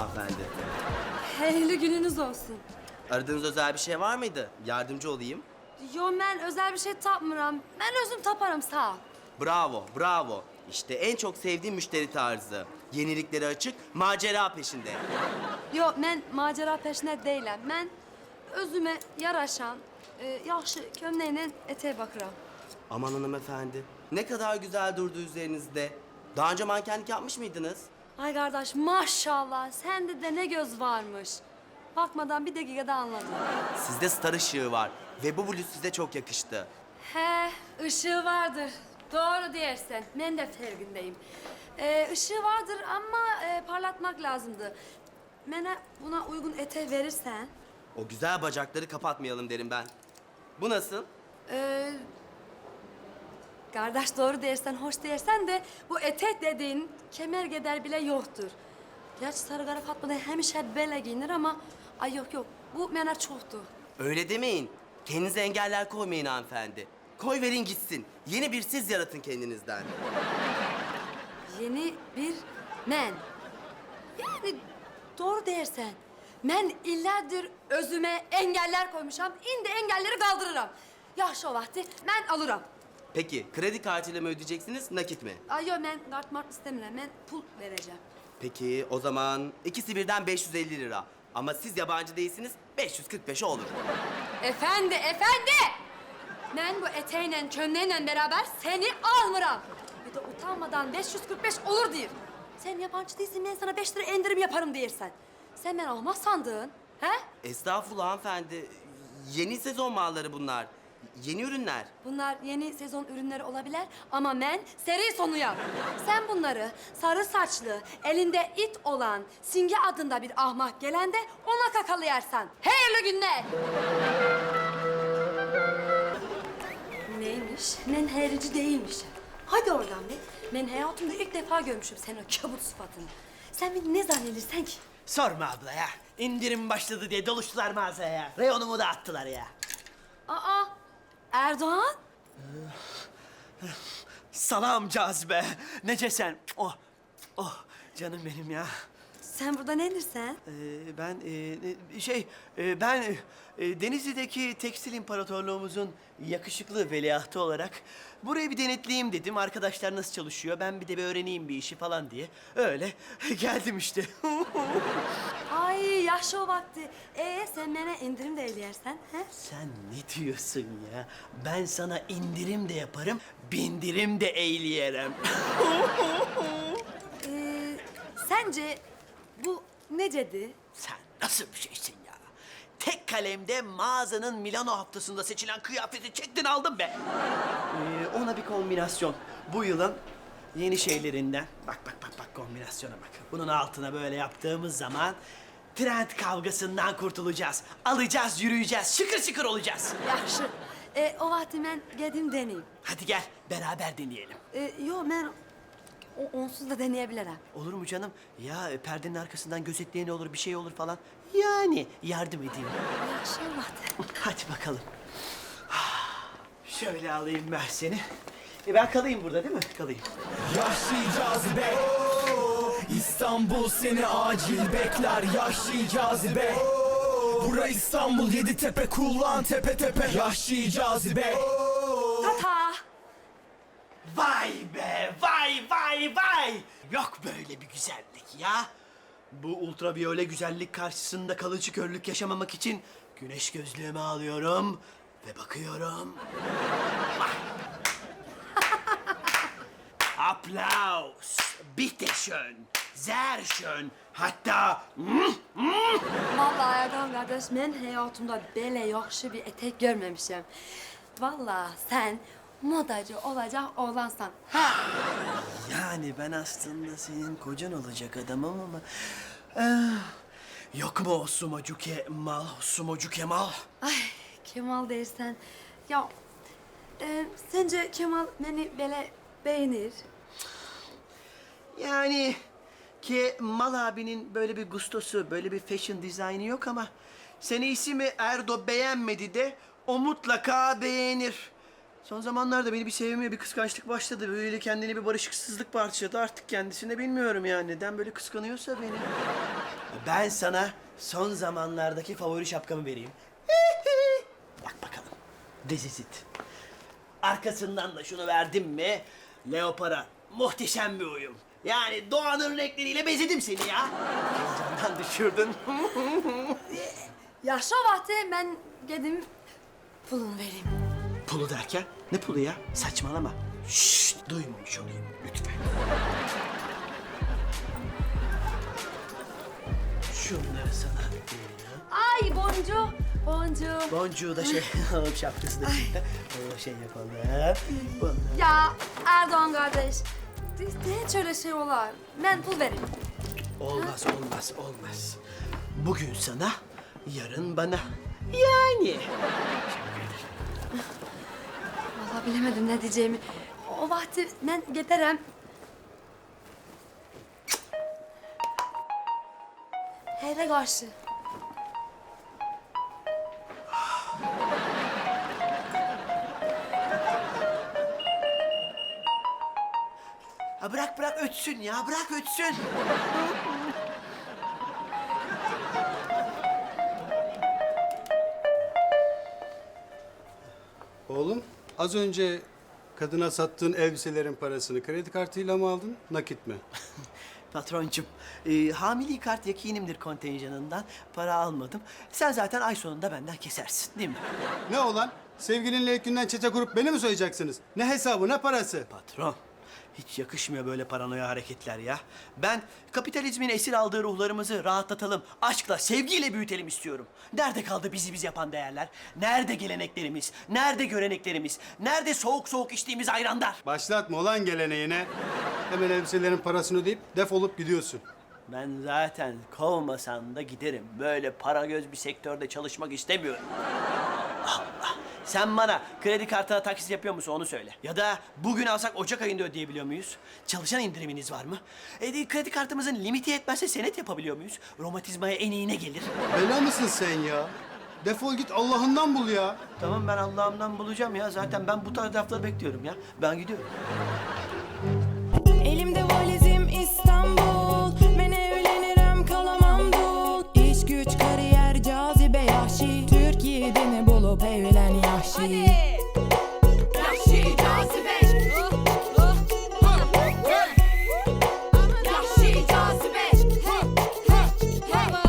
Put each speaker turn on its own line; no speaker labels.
hanımefendi.
Hayırlı gününüz olsun.
Aradığınız özel bir şey var mıydı? Yardımcı olayım.
Yo, ben özel bir şey tapmıram. Ben özüm taparım, sağ ol.
Bravo, bravo. İşte en çok sevdiğim müşteri tarzı. Yeniliklere açık, macera peşinde.
Yo, ben macera peşinde değilim. Ben özüme yaraşan, yaxşı kömleğine eteğe bakıram.
Aman hanımefendi, ne kadar güzel durdu üzerinizde. Daha önce mankenlik yapmış mıydınız?
Ay kardeş, maşallah sende de ne göz varmış. Bakmadan bir dakikada anladım.
Sizde star ışığı var ve bu bluz size çok yakıştı.
He, ışığı vardır. Doğru diyersen. Ben de farkındayım. Işığı vardır ama parlatmak lazımdı. Bana buna uygun eteği verirsen...
O güzel bacakları kapatmayalım derim ben. Bu nasıl?
Kardeş doğru dersen, hoş dersen de bu etek dediğin kemer geder bile yoktur. Gerçi Sarıkara Fatma da hemşe böyle giyinir ama... Ay yok yok, bu bana çoktu.
Öyle demeyin. Kendinize engeller koymayın hanımefendi. Koy verin gitsin. Yeni bir siz yaratın kendinizden.
Yeni bir men. Yani doğru dersen. Men illerdir özüme engeller koymuşam. İndi engelleri kaldırırım. Yaxşı o vakti ben alırım.
Peki kredi kartıyla mı ödeyeceksiniz, nakit mi?
Ay yok, ben kart mart istemiyorum. Ben pul vereceğim.
Peki o zaman ikisi birden 550 lira. Ama siz yabancı değilsiniz, 545 olur.
Efendi. Ben bu eteğiyle, çömleğiyle beraber seni almıram. Bir de utanmadan 545 olur diyor. Sen yabancı değilsin, ben sana 5 lira indirim yaparım diyersen. Sen beni almaz sandın, he?
Estağfurullah hanımefendi. Yeni sezon malları bunlar. Yeni ürünler.
Bunlar yeni sezon ürünleri olabilir ama ben seri sonuyum. Sen bunları sarı saçlı, elinde it olan Singe adında bir ahmak gelende ona kakalayarsan. Hayırlı günler. Neymiş? Ben herici değilmişim. Hadi oradan be. Ben hayatımda ilk defa görmüşüm senin o kabut sıfatını. Sen beni ne zannedersen ki?
Sorma abla ya. İndirim başladı diye doluştular mağazaya. Reyonumu da attılar ya.
Aa, Erdoğan?
Salam cazibe. Necesen? Oh, oh canım benim ya.
Sen burada nedirsen?
Ben Denizli'deki tekstil imparatorluğumuzun yakışıklı veliahtı olarak burayı bir denetleyeyim dedim. Arkadaşlar nasıl çalışıyor, ben bir de bir öğreneyim bir işi falan diye. Öyle geldim işte.
Ay yaşlı o vakti. Sen bana indirim de eləyərsən, he?
Sen ne diyorsun ya? Ben sana indirim de yaparım, bindirim de eyleyerem.
Sence bu necedi?
Sen nasıl bir şeysin ya? Tek kalemde mağazanın Milano haftasında seçilen kıyafeti çektin aldın be. Ona bir kombinasyon. Bu yılın yeni şeylerinden. Bak kombinasyona bak. Bunun altına böyle yaptığımız zaman trend kavgasından kurtulacağız. Alacağız, yürüyeceğiz, şıkır şıkır olacağız.
Yaxşı. O vakti mən gedim deneyim.
Hadi gel beraber deneyelim.
Yo, mən onsuz da deneyə bilərəm.
Olur mu canım? Ya perdenin arkasından gözetleyen olur, bir şey olur falan. Yani yardım edeyim.
Yaxşı o vakti.
Hadi bakalım. Şöyle alayım ben seni. Ben kalayım burada değil mi? Kalayım.
Yahşi cazibe İstanbul seni acil bekler Yahşi cazibe Bura İstanbul Yeditepe kullan tepe tepe Yahşi cazibe
Tata!
Vay be! Vay! Yok böyle bir güzellik ya. Bu ultraviyole güzellik karşısında kalıcı körlük yaşamamak için güneş gözlüğümü alıyorum ve bakıyorum. Vay! Applaus! Bitte schön! Sehr schön! Hatta...
Vallahi Erdoğan kardeş, mən həyatımda belə yaxşı bir etek görməmişəm. Vallahi sen modacı olacak oğlansan. Ha!
Yani ben aslında senin kocan olacak adamım ama... yok mu o sumocu Kemal?
Ay Kemal dersen. Ya sence Kemal beni böyle beğenir?
Yani Kemal abinin böyle bir gustosu, böyle bir fashion dizaynı yok ama... ...seni iyisi mi Erdo beğenmedi de o mutlaka beğenir. Son zamanlarda beni bir sevmeye, bir kıskançlık başladı. Böyle kendini bir barışıksızlık parçaladı. Artık kendisine bilmiyorum yani. Neden böyle kıskanıyorsa beni. Ben sana son zamanlardaki favori şapkamı vereyim. Bak bakalım. Dezizit. Arkasından da şunu verdim mi? Leopara. Muhteşem bir uyum. Yani doğanın renkleriyle bezedim seni ya. Heyecandan düşürdün.
Yaşa vakti ben gedim pulunu vereyim.
Pulu derken? Ne pulu ya? Saçmalama. Şşt, duymamış olayım lütfen. Şunları sana vereyim.
Ay boncuğu, boncuğu.
Boncuğu da şey alıp şapkası da çıktı. Onu şey yapalım. Bunları.
Ya Erdoğan kardeş, hiç öyle şey olar. Ben pul vereyim.
Olmaz, olmaz, olmaz. Bugün sana, yarın bana. Yani.
Vallahi bilemedim ne diyeceğimi. O vakti ben getirem. Hele karşı.
Ha bırak bırak ötsün ya, bırak ötsün.
Oğlum, az önce kadına sattığın elbiselerin parasını kredi kartıyla mı aldın, nakit mi?
Patroncum, hamili kart yakinimdir kontenjanından. Para almadım. Sen zaten ay sonunda benden kesersin, değil mi?
Ne olan? Sevgilinle ilk günden çete kurup beni mi soyacaksınız? Ne hesabı, ne parası?
Patron, hiç yakışmıyor böyle paranoya hareketler ya. Ben kapitalizmin esir aldığı ruhlarımızı rahatlatalım, aşkla, sevgiyle büyütelim istiyorum. Nerede kaldı bizi biz yapan değerler? Nerede geleneklerimiz? Nerede göreneklerimiz? Nerede soğuk soğuk içtiğimiz ayranlar?
Başlatma olan geleneğine. Hemen elbiselerin parasını ödeyip defolup gidiyorsun.
Ben zaten kovmasan da giderim. Böyle para göz bir sektörde çalışmak istemiyorum. Allah! Sen bana kredi kartına taksit yapıyor musun onu söyle. Ya da bugün alsak Ocak ayında ödeyebiliyor muyuz? Çalışan indiriminiz var mı? Kredi kartımızın limiti yetmezse senet yapabiliyor muyuz? Romatizmaya en iyine gelir.
Bela mısın sen ya? Defol git Allah'ından bul ya.
Tamam ben Allah'ımdan bulacağım ya. Zaten ben bu tarz lafları bekliyorum ya. Ben gidiyorum.
Elimde valizim İstanbul